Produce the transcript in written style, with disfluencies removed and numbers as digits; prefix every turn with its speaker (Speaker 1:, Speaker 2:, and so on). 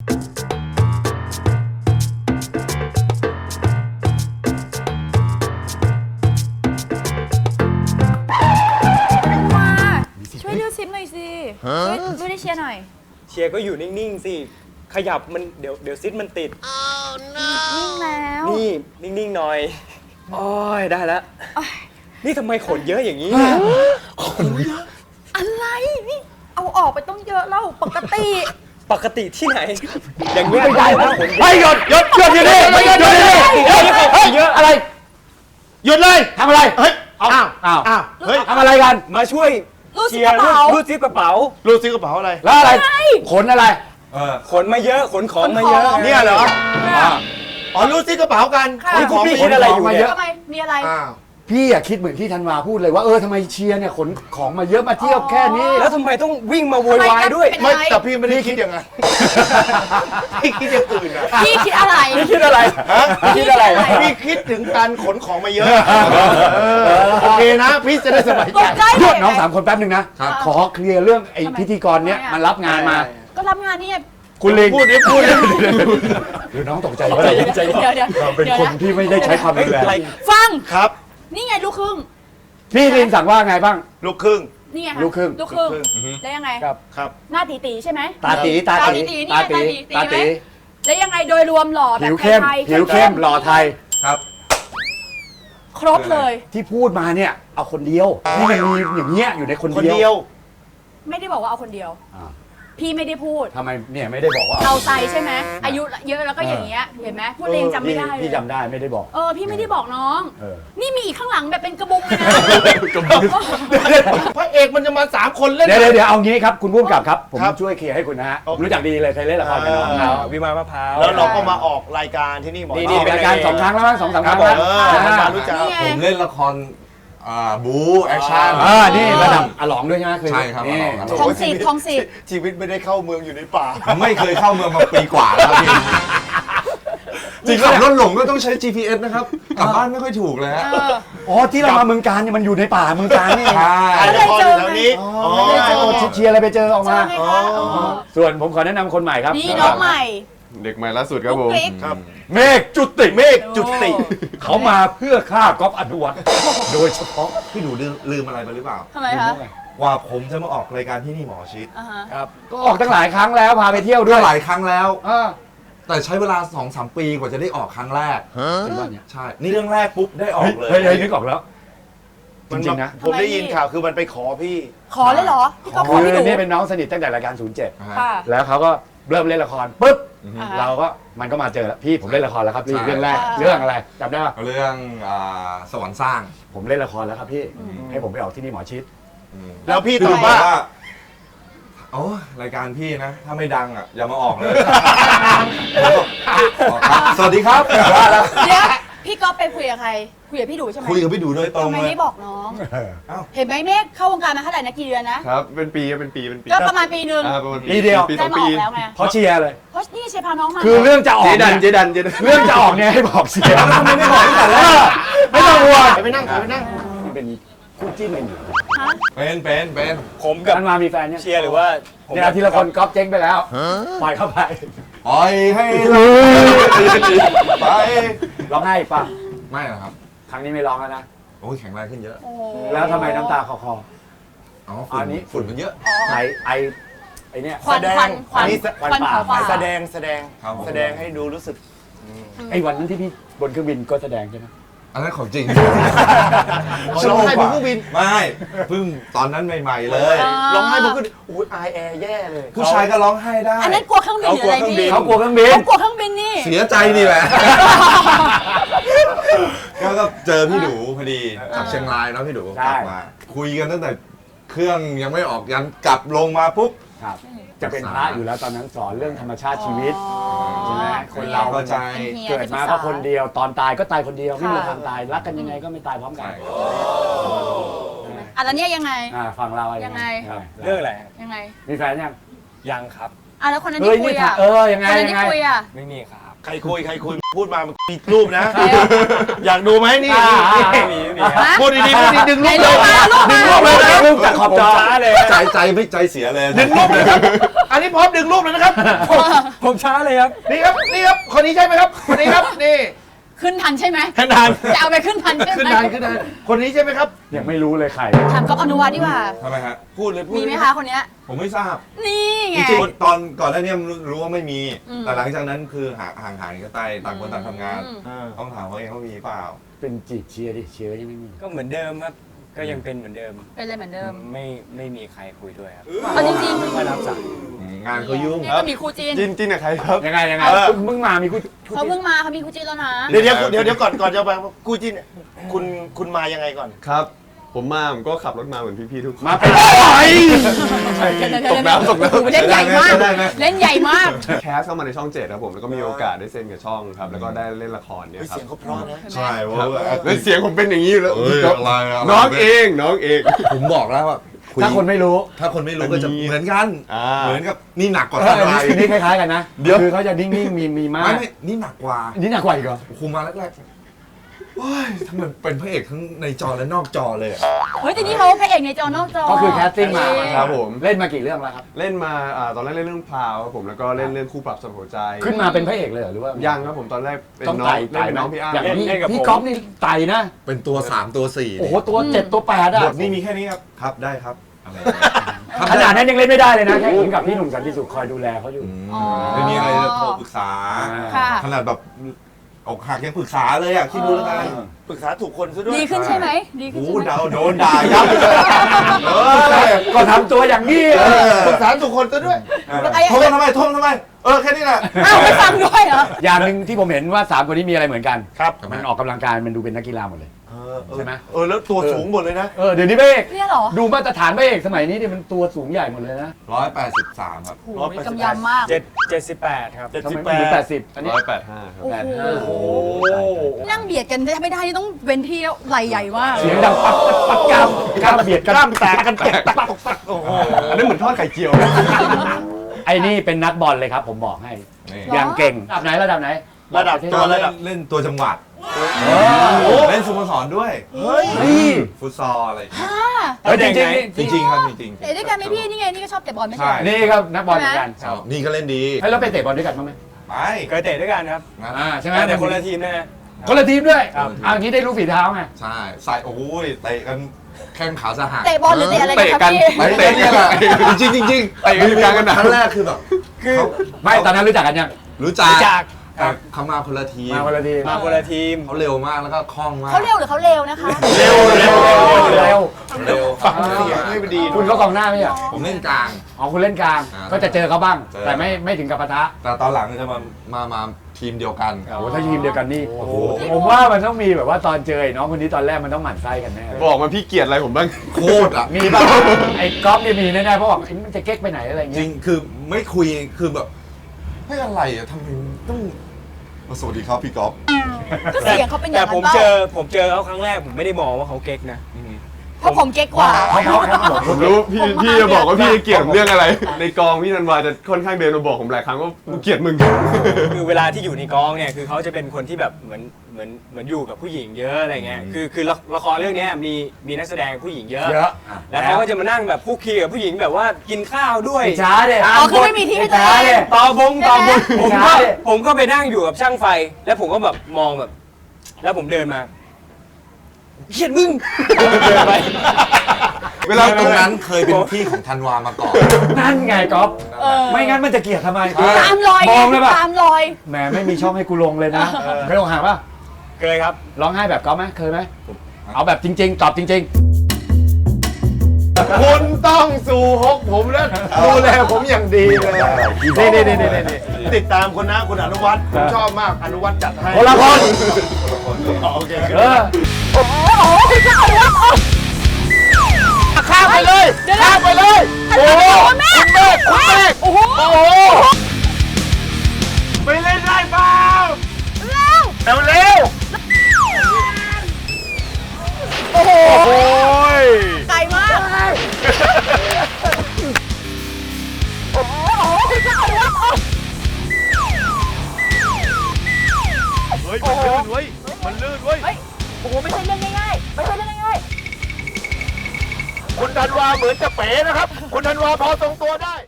Speaker 1: มาช่วยดูซิปหน่อยสิช่วยได้เชียร์หน่อย
Speaker 2: เชียร์ก็อยู่นิ่งๆสิขยับมันเดี๋ยวซิดมันติด
Speaker 1: นิ่งแล้ว
Speaker 2: นี่นิ่งๆหน่อยโอ้ยได้แล้วนี่ทำไมขนเยอะอย่างนี้
Speaker 1: อะไรนี่เอาออกไปต้องเยอะแล้วปกติ
Speaker 2: ปกติที่ไหน อย่างนี้
Speaker 3: ไม่ได้
Speaker 2: แล้
Speaker 3: แล้ว ว
Speaker 2: ขน
Speaker 3: เฮ้ยหยุดอยู่นี่หยุดเยอะอะไรหยุดเลยทำอะไรเฮ้ยอ้าวเฮ้ยทำอะไรกัน
Speaker 2: มาช่วย
Speaker 1: รูดซิ
Speaker 2: เชี
Speaker 1: ป
Speaker 2: ย
Speaker 1: ก
Speaker 2: ร์
Speaker 1: ระเป๋า
Speaker 2: รูดซิปกระเป๋า
Speaker 4: รูดซิกระเป๋าอะไร
Speaker 3: แล้วอะไรขนอะไร
Speaker 2: ขนมาเยอะขนของมาเยอะ
Speaker 4: เนี่ยเหรออ๋อรูดซิกระเป๋ากัน
Speaker 1: ค่ะ
Speaker 2: นี่พวกพี่คิดอะไรอยู่เนี่ย
Speaker 1: ทำไมมีอะไร
Speaker 4: อ้าว
Speaker 3: พี่อะคิดเหมือนที่ธันวาพูดเลยว่าทำไมเชียร์เนี่ยขนของมาเยอะมาเที่ยวแค่นี้
Speaker 2: แล้วทำไมต้องวิ่งมาโวยวายด้วย
Speaker 4: ไม่แต่พี่ไม่ได้คิดอย่างนั้นพี่คิดอย่างอื่นอะ
Speaker 1: พี่คิดอะไร
Speaker 2: พี่คิดอะไร
Speaker 1: พี่คิดอะไร
Speaker 4: พี่คิดถึงการขนของมาเยอะโอเคนะพี่จะได้สบาย
Speaker 1: ต
Speaker 4: ใจ
Speaker 1: กใจ
Speaker 3: หยุดน้อง3 คนแป๊บหนึ่งนะขอเคลียร์เรื่องไอ้พิธีกรเนี้ยมันรับงานมา
Speaker 1: ก็รับงานนี่ไง
Speaker 3: คุณลิง
Speaker 4: พูดดิ
Speaker 3: หรือน้องตกใจ
Speaker 1: เดี๋ยว
Speaker 3: เราเป็นคนที่ไม่ได้ใช้ความรุนแรง
Speaker 1: ฟัง
Speaker 4: ครับ
Speaker 1: นี่ไงลูกครึ่ง
Speaker 3: พี่ลิงสั่งว่าไงบ้าง
Speaker 4: ลูกครึ่ง
Speaker 1: นี่ไง
Speaker 3: ลูกครึ่ง
Speaker 1: ลูกครึ่งแล้วยังไง
Speaker 3: ครับ
Speaker 4: ครับ
Speaker 1: หน้าตีใช่ไหม
Speaker 3: ตาตี
Speaker 1: ตาตีนี่ไงตาตีไหมแล้วยังไงโดยรวมหล่อแบบ
Speaker 3: ผิวเข้ม
Speaker 1: ไทย
Speaker 3: ผิวเข้มหล่อไทย
Speaker 4: ครับ
Speaker 1: ครบเลย
Speaker 3: ที่พูดมาเนี่ยเอาคนเดียวนี่มันมีอย่างเงี้ยอยู่ในคน
Speaker 4: คน
Speaker 3: เดี
Speaker 4: เดี
Speaker 3: ย
Speaker 4: ยว ว
Speaker 1: ไม่ได้บอกว่าเอาคนเดียว
Speaker 3: อ่า
Speaker 1: พี่ไม่ได้พูด
Speaker 3: ทำไมเนี่ยไม่ได้บอกว่า
Speaker 1: เราใจใช่ไหมอายุเยอะแล้วก็อย่างเงี้ยเห็นไหมพูดเองจำไม่ได้เลย
Speaker 3: พี่จำได้ไม่ได้บอก
Speaker 1: พี่ไม่ได้บอกน้อง
Speaker 3: เออ
Speaker 1: นี่มีอีกข้างหลังแบบเป็นกระบุงเลยนะ
Speaker 4: พระเอกมันจะมา3 คนเล่น
Speaker 3: เดี๋ยวเอางี้ครับคุณผู้กำกับครับผม
Speaker 4: ครับ
Speaker 3: ช่วยเคลียร์ให้คุณนะฮะ
Speaker 4: โอเค
Speaker 3: รู้จักดีเลยเคยเล่นละครกับน้องเขา
Speaker 2: วิมานมะพร้าว
Speaker 4: แล้วเราก็มาออกรายการที่นี่หมอ
Speaker 2: นี่
Speaker 3: ออกรายการ2 ครั้งแล้วมั้ง2-3 ครั้ง
Speaker 4: เอ
Speaker 3: แล้ว
Speaker 4: อมารู้จัก
Speaker 1: นี่ไง
Speaker 5: ผมเล่นละครบู๊แอคชั่น
Speaker 3: นี่ระดับอลองด้วยใช่ไหมคือ
Speaker 5: ใช่ครับ
Speaker 3: นี่
Speaker 5: อลอง
Speaker 1: ทองสิทธิ์ทองสิทธิ์
Speaker 4: ชีวิตไม่ได้เข้าเมืองอยู่ในป่า
Speaker 5: ไม่เคยเข้าเมืองมาปีกว่าแล้วพี่จริงขับรถหลงก็ต้องใช้ GPS นะครับกลับบ้านไม่ค่อยถูกเลยฮะ
Speaker 3: อ๋อที่เรามาเมืองการเนี่ยมันอยู่ในป่าเมืองการนี่เอง
Speaker 5: ใช่
Speaker 4: ถ่ายละครอยู่แถวนี้
Speaker 3: เชียร์อะไรไปเจอออก
Speaker 1: เจ
Speaker 3: มา
Speaker 1: อไงคะ
Speaker 3: ส่วนผมขอแนะนำคนใหม่ครับ
Speaker 1: นี่น้องใหม่
Speaker 5: เด็กใหม่ล่าสุดครับผม
Speaker 1: ปุ๊กปิ๊ก
Speaker 4: ครับ
Speaker 3: เมฆจุติ
Speaker 4: เมฆจุติ
Speaker 3: เขามาเพื่อฆ่าก๊อฟอนุวัฒน์โดยเฉพาะ
Speaker 5: พี่หนูลืมอะไรไปหรือเปล่า
Speaker 1: ทำไมคะ
Speaker 5: ว่าผมจะมาออกรายการที่นี่หมอชิด
Speaker 1: อ่าฮะ
Speaker 3: ก็ออกตั้งหลายครั้งแล้วพาไปเที่ยวด้
Speaker 5: ด้
Speaker 3: ว
Speaker 5: วย ยหลายครั้งแล้ว
Speaker 3: เออ
Speaker 5: แต่ใช้เวลา 2-3 ปีกว่าจะได้ออกครั้งแรก
Speaker 3: เป็นว่าเนี่ย
Speaker 5: ใช่ นี่เรื่องแรกปุ๊บได้ออกเลย
Speaker 3: เฮ้ยนึกออกแล้ว จริงๆนะ
Speaker 4: ผมได้ยินข่าวคือมันไปขอพี่
Speaker 1: ขอเลยเหรอพี่ก็ขอ
Speaker 3: คือ
Speaker 1: พี่หนู
Speaker 3: นี่เป็นน้องสนิทตั้งแต่รายการ
Speaker 1: ค่ะ
Speaker 3: 07 แล้วเขาก็เริ่มเล่นละครปุ๊บ
Speaker 1: อ่า
Speaker 3: เราก็มันก็มาเจอแล้วพี่ผมเล่นละครแล้วครับพี่
Speaker 5: ใช่
Speaker 3: เรื่องแรก
Speaker 1: อ่า
Speaker 3: เรื่องอะไรจำได้ปะ
Speaker 5: เรื่องสวรรค์สร้าง
Speaker 3: ผมเล่นละครแล้วครับพี่ให้ผมไปออกที่นี่หมอชิด
Speaker 4: แล้วพี่ตอบว่า
Speaker 5: โอ้รายการพี่นะ ถ้าไม่ดังอ่ะ อย่ามาออกเลยสวัสดีครับว่าแล้ว
Speaker 1: เดี๋ยวพี่ก๊อฟไปคุยกับใคร คุยกับพี่ดูใช่ไหม
Speaker 5: คุยกับพี่ดูโดยตรง
Speaker 1: ทำไม
Speaker 5: เลย
Speaker 1: ไม่บอกน้อง เห็นไหมเมฆเข้าวงการมาเท่าไหร่นะกี่เดือนนะ
Speaker 5: ครับ เป็นปีเป็นปี
Speaker 1: ก็ประมาณปีหนึ่ง
Speaker 5: ประมาณ
Speaker 3: ปีเดียว
Speaker 5: ปี
Speaker 1: ได้
Speaker 5: สอง
Speaker 1: มา
Speaker 5: ปี
Speaker 1: ออกแล้วไง
Speaker 3: เพราะเชียร์เลย
Speaker 1: เพราะนี่เชฟพาน้องมา
Speaker 3: คือเรื่องจะออก
Speaker 5: เจดัน
Speaker 3: เนี่ยเรื่องจะออกเนี่ยให้บอกเชียร์ทำไมไม่บอกตั้งแต่แรกไม่ต้องห่วง
Speaker 4: ไปนั่งไปนั่ง
Speaker 3: มันเป็นคู่จิ้นกันอยู่
Speaker 1: ฮะ
Speaker 5: เป็น
Speaker 2: ผมกับ
Speaker 3: กันมามีแฟนเนี่ย
Speaker 2: เชียร์หรือว่าผม
Speaker 3: เนี่ยทีละคนก๊อฟเจ๊งไปแล้วปล่อยเข้าไป
Speaker 5: ปล่อยให้เราไป
Speaker 3: ร้องไห้อีกป่ะ
Speaker 5: ไม่หรอกครับ
Speaker 3: ครั้งนี้ไม่ร้องแล้วนะ
Speaker 5: โอ้ยแข็งแรงขึ้นเยอะ
Speaker 1: โอ้โห
Speaker 3: แล้วทำไมน้ำตาคอ
Speaker 5: อ๋อ
Speaker 3: อั
Speaker 5: ฝุ่น
Speaker 3: นนี้
Speaker 5: ฝุ่นมันเยอะ
Speaker 3: ไอเนี่ย
Speaker 1: ควันควันควัน
Speaker 4: นี่
Speaker 1: ควันเผาป่า
Speaker 4: แสดง
Speaker 5: ครับผม
Speaker 4: แสดงให้ดูรู้สึก
Speaker 3: ไอวันนั้นที่พี่บนเครื่องบินก็แสดงใช่ไหม
Speaker 5: อันนั้นของจริง
Speaker 4: ร้องไห้บนเครื่องบิน
Speaker 5: ไม่เพิ่งตอนนั้นใหม่ๆเลย
Speaker 4: ร้องไห้บนเครื่องบินอุ้ยอายแอร์แย่เลย
Speaker 5: ผู้ชายก็ร้องไห้ได้
Speaker 1: อันนั้นกลัวเครื่องบินหรืออะไรพี่
Speaker 3: เขากลัวเครื่องบิน
Speaker 1: เขากลัวเครื่องบินนี่
Speaker 5: เสียใจนี่แหละ ก็เจอพี่ดูพอดีจากเชียงรายเนาะพี่ดูกลับมา คุยกันตั้งแต่เครื่องยังไม่ออกยันกลับลงมาปุ๊บ
Speaker 3: ครับจะเป็นพระอยู่แล้วตอนนั้นสอนเรื่องธรรมชาติชีวิตใช่ไหมคนเรา
Speaker 5: เข้าใจ
Speaker 3: เกิดมาก็คนเดียวตอนตายก็ตายคนเดียวไม่มีทางตายรักกันยังไงก็ไม่ตายพร้อมกัน
Speaker 1: อ่ะแล้วเนี่ยยังไง
Speaker 3: ฟังเราอะไร
Speaker 1: ยังไง
Speaker 2: เรื่องอะไร
Speaker 1: ยังไง
Speaker 3: มีแฟนยัง
Speaker 2: ยังครับ
Speaker 1: อ่ะแล้วคนนั้น
Speaker 3: เฮ้ย
Speaker 1: ที่คุ
Speaker 3: นี่
Speaker 1: ยอ่ะ
Speaker 3: ยังไง
Speaker 1: คนนั้น
Speaker 3: ยัง
Speaker 1: ที่
Speaker 3: ไง
Speaker 1: คุยอ่ะ
Speaker 2: ไม่มีครับ
Speaker 4: ใครคุยพูดมามันมีรูปนะ อยากดูไหมนี่
Speaker 2: ไม่มีครับ
Speaker 4: พูดดีๆพูดดีๆดึงรูปเลยดึงรูปเลยนะ
Speaker 2: รูปจากขอบจอเลย
Speaker 5: ใจไม่ใจเสียเลย
Speaker 4: ดึงรูปเลยครับอันนี้พร้อมดึงรูปเลยนะครับ
Speaker 2: ผมช้าเลยครับ
Speaker 4: นี่ครับคนนี้ใช่ไหมครับคนนี้ครับนี่
Speaker 1: ขึ้นทันใช่ไหม
Speaker 4: ขนาน
Speaker 1: จะเอาไปขึ้นทันใช่ไหม
Speaker 4: ขึ้นทันคนนี้ใช่ไหมครับ
Speaker 3: ยังไม่รู้เลยใคร
Speaker 1: ถามก๊อฟอนุวัฒน์ดีกว่า
Speaker 5: ทำไมฮะ
Speaker 4: พูดเลยพูด
Speaker 1: มีไหมคะคนเนี้ย
Speaker 5: ผมไม่ทราบ
Speaker 1: นี่ไง
Speaker 5: จริงๆตอนก่อนหน้านี้รู้ว่าไม่มี
Speaker 1: อืม
Speaker 5: แต่หลังจากนั้นคือห่างหายกันไปต่างคนต่างทำงาน ต้องถามเขาเองว่ามีเปล่า
Speaker 3: เป็นจีบเชียร์ดิเชียร์ยังไม่มี
Speaker 2: ก็เหมือนเดิมครับ ก็ยังเป็นเหมือนเดิม
Speaker 1: เป็นอะไรเหมือนเดิม
Speaker 2: ไม่มีใครคุยด้วยครับ
Speaker 1: เอาจริง
Speaker 2: ไม่รับสาย
Speaker 5: งานเขายุ่ง
Speaker 1: ๆเนี่ยก็มีคู่จีน
Speaker 3: จินกับใครครับยังไงมึงมามีกู
Speaker 1: เขาเพิ่งมาเขามีคู่จีนแล้วนะ
Speaker 4: เดี๋ยวก่อนจะไปกูจินคุณมายังไงก่อน
Speaker 6: ครับ ผมก็ขับรถมาเหมือนพี่ๆทุกคน
Speaker 3: มาเป็นอะไร
Speaker 6: ตกน้ำ
Speaker 1: เล่นใหญ่มาก เล่นใหญ่มาก
Speaker 6: แคสเข้ามาในช่อง7ครับผมแล้วก็มีโอกาสได้เซ็นกับช่องครับแล้วก็ได้เล่นละครเนี่ยครั
Speaker 4: เสียงเขาเพราะนะ
Speaker 5: ใช่เพราะว่า
Speaker 6: แล้วเสียงผมเป็นอย่างนี้อยู่แล้ว
Speaker 5: เอ้ยอะไระ
Speaker 6: น้องเอง
Speaker 5: ผมบอกแล้วว่าคุย
Speaker 3: ถ้าคนไม่รู้
Speaker 5: ถ้าคนไม่รู้ก็จะเหมือนกัน
Speaker 6: อ่า
Speaker 5: เหมือนกับนี่หนักกว่า
Speaker 3: เอ
Speaker 5: ทัน
Speaker 3: อ
Speaker 5: ไร
Speaker 3: อันนี้คล้ายๆกันนะ
Speaker 6: เดี๋ยว
Speaker 3: คือเขาจะนิ่งๆมีมาก
Speaker 5: ไม่นี่หนักกว่า
Speaker 3: นี่หนักกว่าอีกเหรอ
Speaker 5: คุมมาแรกๆโอ้ยทำไมเป็นพระเอกทั้งในจอและนอกจอเลยอะ
Speaker 1: เฮ้ยแต่นี่เขาพระเอกในจอนอกจอ
Speaker 3: ก็คือแคสติ้งมา
Speaker 6: ครับผม
Speaker 3: เล่นมากี่เรื่องแล้วครับ
Speaker 6: เล่นมาตอนแรกเล่นเรื่องพราวครับผมแล้วก็เล่นเรื่องคู่ปรับสมหัวใจ
Speaker 3: ขึ้นมาเป็นพระเอกเลยเหรอหรือว่า
Speaker 6: ยั
Speaker 3: ยัง
Speaker 6: ครับผมตอนแรกเป็น
Speaker 3: ต้อง
Speaker 6: น้อง
Speaker 3: ไต่
Speaker 6: เล่นเป็นน้องพี่อ้ำ
Speaker 3: อย่าง
Speaker 2: เล่นกับ
Speaker 3: พี่
Speaker 2: ผม
Speaker 3: ก๊อฟนี่ไต่นะ
Speaker 5: เป็นตัว3ตัว4
Speaker 3: โอ้โหตัว7ตัว8อ่ะ
Speaker 5: บทนี่มีแค่นี้ครับครับได้ครับอะไร
Speaker 3: ขนาดนั้นยังเล่นไม่ได้เลยนะแค่ผมกับพี่หนุ่มสันติสุขคอยดูแลเขาอยู่
Speaker 5: ไม่มีอะไรจะโทรปรึกษา
Speaker 1: ค่ะ
Speaker 5: ขนาดแบบอกหักยังปรึกษาเลยอ่ะคิดดูแล้วกัน
Speaker 4: ปรึกษาถูกคนซะด้วย
Speaker 1: ดีขึ้นใช่ไหมดีขึ้น
Speaker 5: โอ้
Speaker 1: ใช่ไหม
Speaker 5: โดนด่ายับเลยเออ
Speaker 3: ก็ทำตัวอย่างนี้
Speaker 4: ปรึกษาถูกคนซะด้วย
Speaker 5: โทษทำไมแค่นี้แหละ
Speaker 1: อ้าวไม่ฟังด้วยเหรอ
Speaker 3: อย่างหนึ่งที่ผมเห็นว่า3คนนี้มีอะไรเหมือนกัน
Speaker 4: ครับ
Speaker 3: มันออกกำลังกายมันดูเป็นนักกีฬาหมดเลย ใช่ไหม
Speaker 4: แล้วตัวสูงหมดเลยนะ
Speaker 3: เดี๋ยวนี้พระเอก
Speaker 1: เนี่ยเหรอ
Speaker 3: ดูมาตรฐานพระเอกสมัยนี้เนี่ยมันตัวสูงใหญ่หมดเลยนะ
Speaker 5: 183ครับ
Speaker 1: โอ้โหกำยำมาก
Speaker 2: 78 ครับ
Speaker 3: ทำไมไม่ถึง80อันนี้
Speaker 6: 185ครับ
Speaker 1: โอ้โห
Speaker 3: 85โอ้โห
Speaker 1: นั่งเบียดกันไม่ได้นี่ต้องเว้นที่แล้วไหลใหญ่มาก
Speaker 3: เสียงดังปักปักกล้ามเบียดกัน
Speaker 4: กล้ามแตกกันตกปักโอ้โห
Speaker 6: อันนั้นเหมือนทอดไข่เจียว
Speaker 3: ไอ้นี่เป็นนักบอลเลยครับ ผมบอกให้
Speaker 5: นี่
Speaker 3: อย่างเก่งระดับไหน
Speaker 4: ระดับตัวระดับ
Speaker 5: เล่นตัวจังหวัดเล่นสโมสรด้วย
Speaker 4: เฮ้ย
Speaker 5: ฟุตซอลอะไรอย่างเงี้ย
Speaker 3: เฮ้ยจริง
Speaker 5: จริงๆครับจริง
Speaker 1: เตะด้วยกันไหมพี่นี่ไงนี่ก็ชอบเตะบอลไม่ใช่
Speaker 5: ใช่
Speaker 1: เหรอ
Speaker 3: ๆนี่ครับนักบอลเหมือนกัน
Speaker 5: ๆนี่ก็เล่นดี
Speaker 3: ให้เราไปเตะบอลด้วยกันบ้างไหม
Speaker 5: ไป
Speaker 2: เคยเตะด้วยกันครับ
Speaker 5: นะ
Speaker 3: ใช่ไหม
Speaker 2: แต่คนละทีมนะฮะ
Speaker 3: คนละทีมด้วย
Speaker 2: ครับ
Speaker 3: อย่างนี้ได้รู้ฝีเท้าไง
Speaker 5: ใช่ใส่โอ้ยเตะกันแข้งขาสหัก
Speaker 1: เตะบอลหรือเตะอะไรกันครับ
Speaker 6: เตะกัน
Speaker 1: พี่
Speaker 5: ไม่เตะเนี่ยแหละจริงๆจริง
Speaker 6: เตะกันอยู่กลางสนาม
Speaker 5: ครั้งแรกคือแบบ
Speaker 2: คือ
Speaker 5: เขา
Speaker 3: ไม่ตอนนั้นรู้จักกันยัง
Speaker 5: รู้จัก
Speaker 2: จาก
Speaker 5: แต่เขามาคนละทีม
Speaker 3: มาคนละทีม
Speaker 2: มาคนละทีม
Speaker 5: เขาเร็วมากแล้วก็คล่องมาก
Speaker 1: เขาเร็วหรือเขาเร็วนะคะ
Speaker 3: เร็ว
Speaker 5: เร็ว
Speaker 4: ฟังเสียงไม่ดี
Speaker 3: คุณก็กองหน้าไม่ใช่เหรอ
Speaker 5: ผมเล่นกลาง
Speaker 3: อ๋อคุณเล่นกลาง ก็จะเจอเขาบ้าง
Speaker 5: เจอ
Speaker 3: แต่ไม่ถึงกับปะทะ
Speaker 5: แต่ตอนหลังจะมาทีมเดียวกัน
Speaker 3: โอ้โหถ้าทีมเดียวกันนี่โอ้โหผมว่ามันต้องมีแบบว่าตอนเจอไอ้น้องคนนี้ตอนแรกมันต้องหมั่นไส้กันแน่เลย
Speaker 6: บอกมาพี่เกลียดอะไรผมบ้าง
Speaker 5: โคตรอ่ะ
Speaker 3: มีป่ะไอ้ก๊อฟเนี่ยมีแน่ๆเพราะบอกไอ้มันจะเก๊กไปไหนอะไรอย่าง
Speaker 5: จ
Speaker 3: เงี้
Speaker 5: ริ
Speaker 3: ย
Speaker 5: งคือไม่คุยคือแบบไม่อะไรอ่ะทำไมต้องสวัสดีครับพี่ก๊อฟ
Speaker 1: ก็เสียงเขาเป็นอ
Speaker 2: แต่
Speaker 1: ย่าง
Speaker 2: ผ
Speaker 1: นั้
Speaker 2: ม
Speaker 1: นเปล่า
Speaker 2: เจอเขาครั้งแรกผมไม่ได้มองว่าเขาเก๊กนะ
Speaker 1: เพราะผมเก๊กกว่า
Speaker 6: ผมรู้พี่จะบอกว่าพี่เกลียดผมเรื่องอะไร ในกองพี่ธันวาจะค่อนข้างเดินมาบอกผมหลายครั้งว่ากูเกลียดมึง
Speaker 2: คือเวลาที่อยู่ในกองเนี่ยคือเขาจะเป็นคนที่แบบเหมือนอยู่กับผู้หญิงเยอะอะไรเงี้ยคือละครเรื่องเนี้ยมีนักแสดงผู้หญิงเยอะ
Speaker 3: เยอะ
Speaker 2: แล้วเขาก็จะมานั่งแบบคุกคีกับผู้หญิงแบบว่ากินข้าวด้วย
Speaker 3: ไอ้ช้าเด็
Speaker 1: อ๋อคือไม่มีที่ให้ตัวเอง
Speaker 2: ต่อบงผม
Speaker 3: ใช่
Speaker 2: ก็ไปนั่งอยู่กับช่างไฟ แล้วผมก็แบบมองแบบ แล้วผมเดินมาเขียดมึงเดินไป
Speaker 5: เวลาตรงนั้นเคยเป็นที่ของธันวามาก่อน
Speaker 3: นั่นไงก๊อฟ
Speaker 1: เออ
Speaker 3: ไม่งั้นมันจะเกลียดทำไม
Speaker 1: ตามรอย
Speaker 3: มองเลยป่ะ
Speaker 1: ตามรอย
Speaker 3: แหมไม่มีช่องให้กูลงเลยนะเคยลงหาป่ะ
Speaker 2: เคยครับ
Speaker 3: ร้องไห้แบบก๊อฟไหมเคยไหมเอาแบบจริง ๆ ตอบจริง
Speaker 4: คุณต้องสู่ฮกผมแล้วดูแลผมอย่างดีเลยนี่ติดตามคนนะคุณอนุวัฒน์ผมชอบมากอนุวัฒน์จัดให้
Speaker 3: ๆคนละคน
Speaker 4: อ๋อโอเค
Speaker 3: เออ
Speaker 4: ข้ามไปเลยข้ามไปเลย
Speaker 1: โอ้โหแม่คุณแม่โอ้โห
Speaker 4: ไปเล่นได้เปล่า
Speaker 1: เร็ว
Speaker 4: เร็ว
Speaker 1: โอ้โห
Speaker 4: โอ้ย
Speaker 1: ไกลมากโอ้โห
Speaker 4: ธันวาเหมือนจะเป๋นะครับ คุณธันวาพอทรงตัวได้